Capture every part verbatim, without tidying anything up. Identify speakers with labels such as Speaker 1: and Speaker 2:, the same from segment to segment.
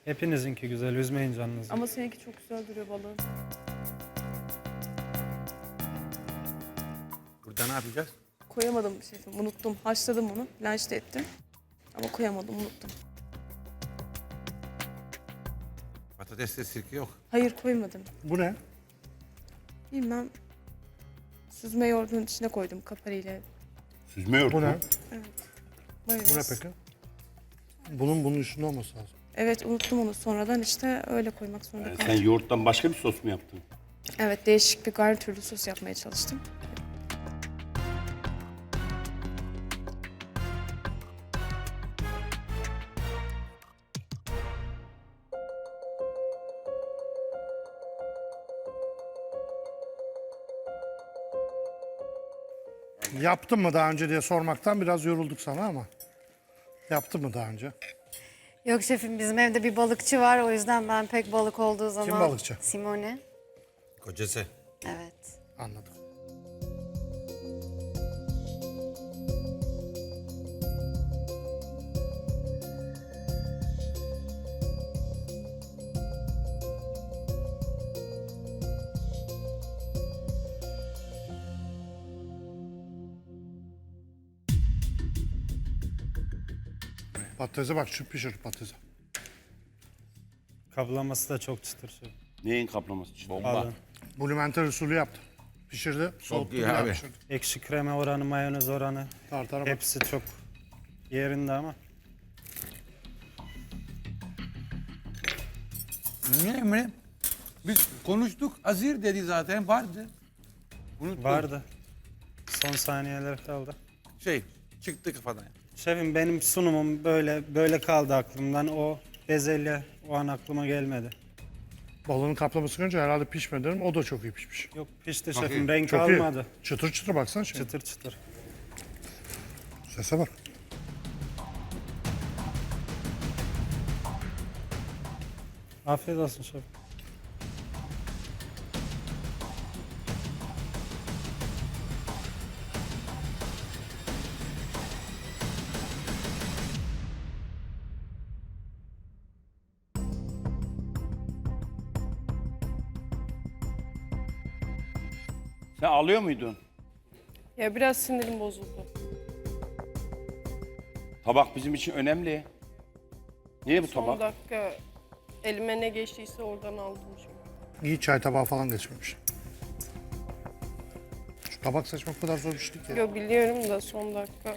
Speaker 1: Hepinizinki güzel, üzmeyin canınızı.
Speaker 2: Ama seninki çok güzel duruyor balığın.
Speaker 3: Burada ne yapacağız?
Speaker 2: Koyamadım şefim, unuttum. Haşladım onu, blanş ettim. Ama koyamadım, unuttum.
Speaker 3: Patateste sirke yok.
Speaker 2: Hayır koymadım.
Speaker 4: Bu ne?
Speaker 2: Bilmem. Süzme yoğurdun içine koydum kapariyle.
Speaker 5: Süzme yoğurt
Speaker 4: Bu
Speaker 5: mu?
Speaker 4: ne?
Speaker 2: Mayonez.
Speaker 4: Bu ne peki? Bunun bunun üstünde olması lazım.
Speaker 2: Evet unuttum onu sonradan işte öyle koymak zorunda
Speaker 5: Yani
Speaker 2: kaldım.
Speaker 5: sen yoğurttan başka bir sos mu yaptın?
Speaker 2: Evet değişik bir garnitürlü sos yapmaya çalıştım.
Speaker 4: Yaptın mı daha önce diye sormaktan biraz yorulduk sana ama. Yaptın mı daha önce?
Speaker 6: Yok şefim bizim evde bir balıkçı var o yüzden ben pek balık olduğu zaman...
Speaker 4: balıkçı?
Speaker 6: Simone.
Speaker 3: Kocası.
Speaker 6: Evet.
Speaker 4: Anladım. Patatese bak, şu pişir patatese.
Speaker 1: Kaplaması da çok çıtır şef.
Speaker 5: Neyin kaplaması? Bomba.
Speaker 1: Balığın.
Speaker 4: Blumentel usulü yaptı. Pişirdi, soğuttu,
Speaker 3: iyi
Speaker 4: bir daha
Speaker 3: abi.
Speaker 4: pişirdi.
Speaker 1: Ekşi krema oranı, mayonez oranı
Speaker 4: Tartara bak.
Speaker 1: hepsi çok yerinde ama.
Speaker 3: Ne Emre? Biz konuştuk. Azir dedi zaten vardı. Unuttum.
Speaker 1: Vardı. Son saniyeler kaldı.
Speaker 3: Şey çıktı kafadan.
Speaker 1: Şefim benim sunumum böyle böyle kaldı aklımdan. O bezelye o an aklıma gelmedi.
Speaker 4: Balığın kaplaması görünce herhalde pişmedi dedim. O da çok iyi pişmiş.
Speaker 1: Yok pişti
Speaker 3: Bakayım.
Speaker 1: şefim, renk
Speaker 4: Çok
Speaker 1: almadı.
Speaker 4: iyi. Çıtır çıtır baksana şimdi.
Speaker 1: Çıtır çıtır.
Speaker 4: Sese bak.
Speaker 1: Afiyet olsun şefim.
Speaker 5: Sen alıyor muydun?
Speaker 2: Ya biraz sinirim bozuldu.
Speaker 5: Tabak bizim için önemli. Niye bu
Speaker 7: Son
Speaker 5: tabak?
Speaker 7: dakika elime ne geçtiyse oradan aldım çünkü.
Speaker 4: İyi çay tabağı falan geçmemiş. Şu tabak seçmek o kadar zor bir şey değil ki.
Speaker 7: Yo biliyorum da son dakika.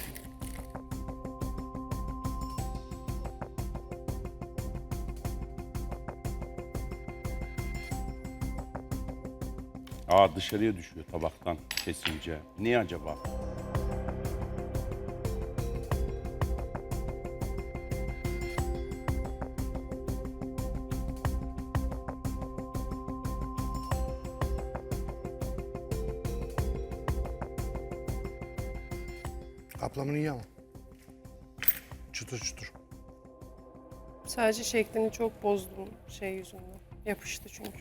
Speaker 5: Aa dışarıya düşüyor tabaktan kesince. Niye acaba?
Speaker 4: Kaplaman iyi ama. Çıtır çıtır.
Speaker 7: Sadece şeklini çok bozdum şey yüzünden. Yapıştı çünkü.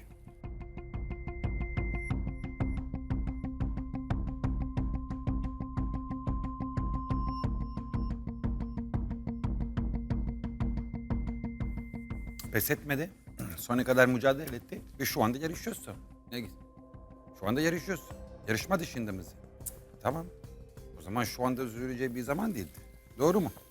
Speaker 3: Pes etmedi. Sonuna kadar mücadele etti. Ve şu anda yarışıyorsun. Ne güzel. Şu anda yarışıyorsun. Yarışma dışında mısın? Tamam. O zaman şu anda üzüleceği bir zaman değildi. Doğru mu?